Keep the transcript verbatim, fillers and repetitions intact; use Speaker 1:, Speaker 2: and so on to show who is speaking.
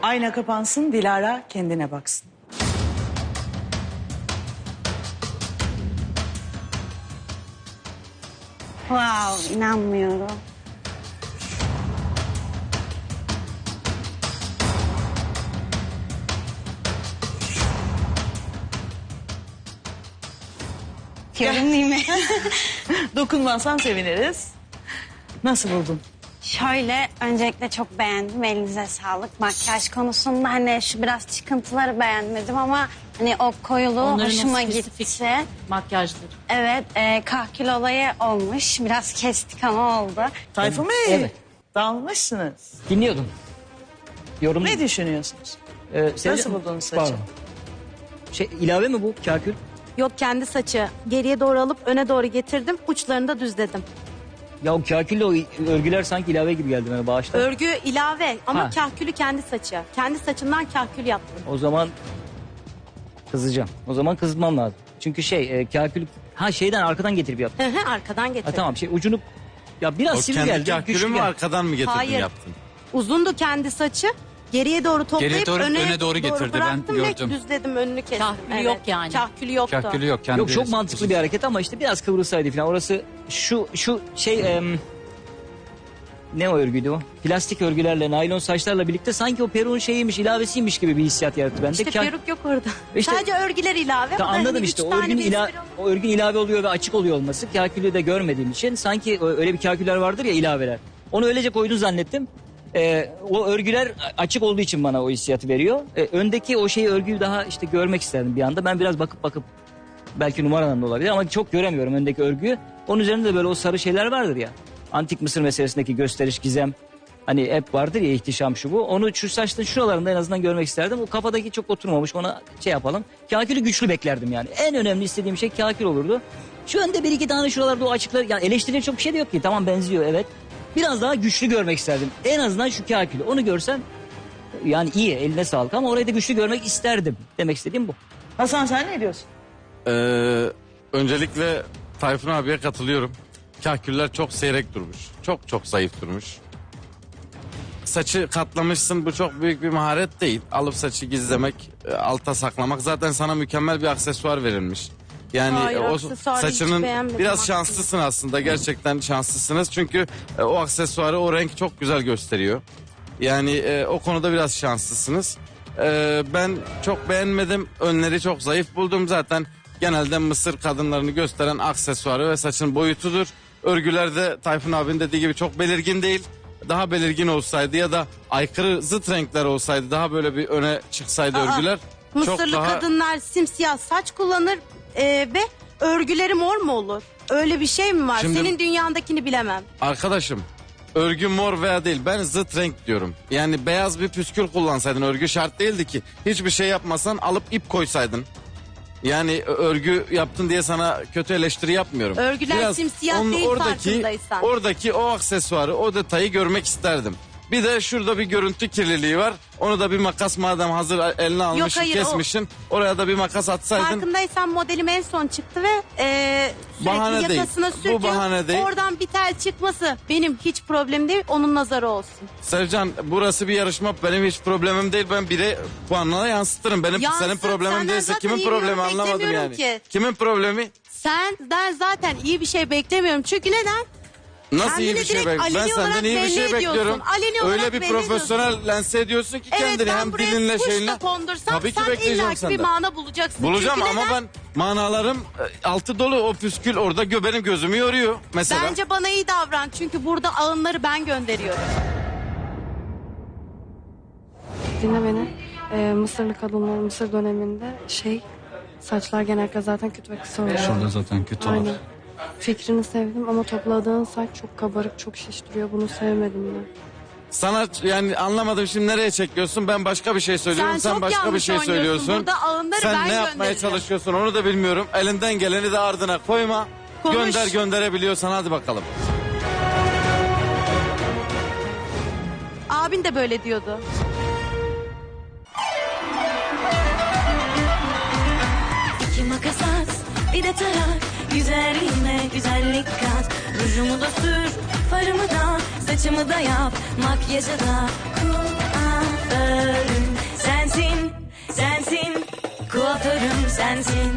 Speaker 1: Ayna kapansın, Dilara kendine baksın.
Speaker 2: Wow, inanmıyorum. Görüneyim mi?
Speaker 1: Dokunmazsan seviniriz. Nasıl buldun?
Speaker 2: Şöyle, öncelikle çok beğendim. Elinize sağlık. Makyaj konusunda hani şu biraz çıkıntıları beğenmedim ama hani o koyuluğu
Speaker 3: Onların
Speaker 2: hoşuma
Speaker 3: o spesifik
Speaker 2: gitti.
Speaker 3: makyajları.
Speaker 2: Evet, e, kahkül olayı olmuş. Biraz kestik ama oldu.
Speaker 1: Tayfun Bey,
Speaker 4: Evet.
Speaker 1: dalmışsınız.
Speaker 4: Dinliyordum. Yorum.
Speaker 1: Ne düşünüyorsunuz?
Speaker 4: Ee, Sevda-
Speaker 1: Nasıl buldunuz saçı?
Speaker 4: Pardon. Şey, ilave mi bu kakül?
Speaker 5: Yok, kendi saçı. Geriye doğru alıp öne doğru getirdim. Uçlarını da düzledim.
Speaker 4: Ya o kakülle o örgüler sanki ilave gibi geldi bana bağışta.
Speaker 5: Örgü ilave ama
Speaker 4: Ha.
Speaker 5: kahkülü kendi saçı. Kendi saçından kahkül yaptım.
Speaker 4: O zaman kızacağım. O zaman kızmam lazım. Çünkü şey e, kakül ha şeyden arkadan getirip yaptım.
Speaker 5: Hı hı, arkadan
Speaker 4: Ha,
Speaker 5: getirdim.
Speaker 4: tamam şey ucunu ya biraz
Speaker 6: O
Speaker 4: sivri
Speaker 6: kendi
Speaker 4: geldi.
Speaker 6: kahkülü
Speaker 4: güçlü
Speaker 6: mü
Speaker 4: geldi.
Speaker 6: arkadan mı getirdin
Speaker 5: Hayır.
Speaker 6: yaptın?
Speaker 5: Uzundu kendi saçı. Geriye doğru toplayıp
Speaker 7: Geriye doğru,
Speaker 5: öne,
Speaker 7: öne doğru getirdi, ben
Speaker 5: bıraktım ve
Speaker 7: gördüm.
Speaker 5: düzledim, önünü kestim.
Speaker 3: Kahkülü yok yani.
Speaker 5: Kahkülü yoktu.
Speaker 7: Kahkülü yok. Kendi
Speaker 4: Yok çok mantıklı bir hareket ama işte biraz kıvrılsaydı falan. Orası şu şu şey em, ne o örgüydü o? Plastik örgülerle, naylon saçlarla birlikte sanki o peruğun şeyiymiş, ilavesiymiş gibi bir hissiyat yarattı bende.
Speaker 5: İşte
Speaker 4: Ka-
Speaker 5: peruk yok orada.
Speaker 4: İşte-
Speaker 5: Sadece örgüler ilave.
Speaker 4: Ta
Speaker 5: ama
Speaker 4: anladım
Speaker 5: hani
Speaker 4: işte
Speaker 5: üç
Speaker 4: o
Speaker 5: tane
Speaker 4: örgün,
Speaker 5: bir
Speaker 4: ila
Speaker 5: espri oldu.
Speaker 4: o örgün ilave oluyor ve açık oluyor olması. Kakülü de görmediğim için sanki ö- öyle bir kaküller vardır ya ilaveler. Onu öylece koydun zannettim. Ee, o örgüler açık olduğu için bana o hissiyatı veriyor. Ee, öndeki o şeyi örgüyü daha işte görmek isterdim bir anda. Ben biraz bakıp bakıp belki numaradan da olabilir ama çok göremiyorum öndeki örgüyü. Onun üzerinde de böyle o sarı şeyler vardır ya. Antik Mısır meselesindeki gösteriş, gizem. Hani hep vardır ya ihtişam şu bu. Onu şu saçların şuralarında en azından görmek isterdim. O kafadaki çok oturmamış, ona şey yapalım. Kakülü güçlü beklerdim yani. En önemli istediğim şey kakül olurdu. Şu önde bir iki tane şuralarda o açıklar. Yani eleştirilecek çok bir şey de yok ki. Tamam benziyor evet. Biraz daha güçlü görmek isterdim. En azından şu kakülü. Onu görsem yani iyi, eline sağlık ama orayı da güçlü görmek isterdim. Demek istediğim bu.
Speaker 1: Hasan sen ne diyorsun?
Speaker 6: Ee, öncelikle Tayfun abiye katılıyorum. Kahküller çok seyrek durmuş. Çok çok zayıf durmuş. Saçı katlamışsın, bu çok büyük bir maharet değil. Alıp saçı gizlemek, e, alta saklamak zaten sana mükemmel bir aksesuar verilmiş. Yani
Speaker 5: Hayır,
Speaker 6: o
Speaker 5: aksesuarı hiç
Speaker 6: saçının
Speaker 5: beğenmedim
Speaker 6: biraz
Speaker 5: aslında.
Speaker 6: şanslısın aslında, gerçekten şanslısınız. Çünkü e, o aksesuarı, o renk çok güzel gösteriyor. Yani e, o konuda biraz şanslısınız. E, ben çok beğenmedim, önleri çok zayıf buldum zaten. Genelde Mısır kadınlarını gösteren aksesuarı ve saçın boyutudur. Örgülerde Tayfun abinin dediği gibi çok belirgin değil. Daha belirgin olsaydı ya da aykırı zıt renkler olsaydı, daha böyle bir öne çıksaydı
Speaker 5: Aa,
Speaker 6: örgüler çok
Speaker 5: Mısırlı
Speaker 6: daha...
Speaker 5: kadınlar simsiyah saç kullanır e, ve örgüleri mor mu olur? Öyle bir şey mi var?
Speaker 6: Şimdi-
Speaker 5: Senin dünyandakini bilemem.
Speaker 6: Arkadaşım, örgü mor veya değil, ben zıt renk diyorum. Yani beyaz bir püskül kullansaydın, örgü şart değildi ki. Hiçbir şey yapmasan alıp ip koysaydın. Yani örgü yaptın diye sana kötü eleştiri yapmıyorum.
Speaker 5: Örgüler simsiyah değil farkındaysan.
Speaker 6: Oradaki o aksesuarı, o detayı görmek isterdim. Bir de şurada bir görüntü kirliliği var. Onu da bir makas, madem hazır eline almışsın,
Speaker 5: hayır,
Speaker 6: kesmişsin. Oraya da bir makas atsaydın.
Speaker 5: Farkındaysan modelim en son çıktı ve e, sürekli
Speaker 6: Bahane değil.
Speaker 5: yakasına
Speaker 6: Bu
Speaker 5: sürtüyor.
Speaker 6: bahane değil.
Speaker 5: Oradan bir tel çıkması benim hiç problem değil. Onun nazarı olsun.
Speaker 6: Sevcan, burası bir yarışma, benim hiç problemim değil. Ben bire puanına yansıtırım. Benim
Speaker 5: Yansıt,
Speaker 6: senin problemin
Speaker 5: senden
Speaker 6: değilse
Speaker 5: zaten
Speaker 6: kimin
Speaker 5: iyi bir
Speaker 6: problemi
Speaker 5: yorum
Speaker 6: anlamadım
Speaker 5: beklemiyorum
Speaker 6: yani.
Speaker 5: ki.
Speaker 6: Kimin problemi?
Speaker 5: Senden zaten iyi bir şey beklemiyorum. Çünkü neden?
Speaker 6: Nasıl iyi
Speaker 5: Kendini
Speaker 6: bir şey
Speaker 5: direkt
Speaker 6: bekliyorum? Ben
Speaker 5: aleni olarak
Speaker 6: senden iyi bir
Speaker 5: belli
Speaker 6: şey
Speaker 5: ediyorsun.
Speaker 6: bekliyorum.
Speaker 5: Aleni olarak
Speaker 6: Öyle bir
Speaker 5: belli
Speaker 6: profesyonel lanse ediyorsun ki
Speaker 5: Evet,
Speaker 6: kendini
Speaker 5: ben
Speaker 6: hem
Speaker 5: buraya
Speaker 6: dilinle
Speaker 5: kuş
Speaker 6: şeyinle.
Speaker 5: da kondursam
Speaker 6: Tabii ki
Speaker 5: sen
Speaker 6: bekleyeceğim
Speaker 5: illaki bir
Speaker 6: senden.
Speaker 5: mana bulacaksın.
Speaker 6: Bulacağım
Speaker 5: Çünkü
Speaker 6: ama
Speaker 5: neden?
Speaker 6: ben manalarım e, altı dolu, o püskül orada gö benim gözümü yoruyor mesela.
Speaker 5: Bence bana iyi davran. Çünkü burada ağınları ben gönderiyorum.
Speaker 8: Dinle beni. Ee, Mısırlı kadınlar Mısır döneminde şey saçlar genellikle zaten kötü ve kısa oluyor.
Speaker 7: Şurada zaten kötü olur.
Speaker 8: Aynen. Fikrini sevdim ama topladığın saç çok kabarık, çok şiş duruyor. Bunu sevmedim ben.
Speaker 6: Sana yani anlamadım, şimdi nereye çekiyorsun? Ben başka bir şey söylüyorum,
Speaker 5: Sen
Speaker 6: sen,
Speaker 5: çok
Speaker 6: başka bir
Speaker 5: yanlış
Speaker 6: şey
Speaker 5: oynuyorsun.
Speaker 6: söylüyorsun.
Speaker 5: Burada ağınları
Speaker 6: sen
Speaker 5: ben
Speaker 6: ne yapmaya
Speaker 5: göndereceğim.
Speaker 6: çalışıyorsun onu da bilmiyorum. Elinden geleni de ardına koyma.
Speaker 5: Konuş.
Speaker 6: Gönder gönderebiliyorsan hadi bakalım.
Speaker 5: Abin de böyle diyordu.
Speaker 9: İki makas at, bir de tarak. Güzelliğime güzellik kat. Rujumu da sür, farımı da, saçımı da yap. Makyajı da kuaförüm sensin.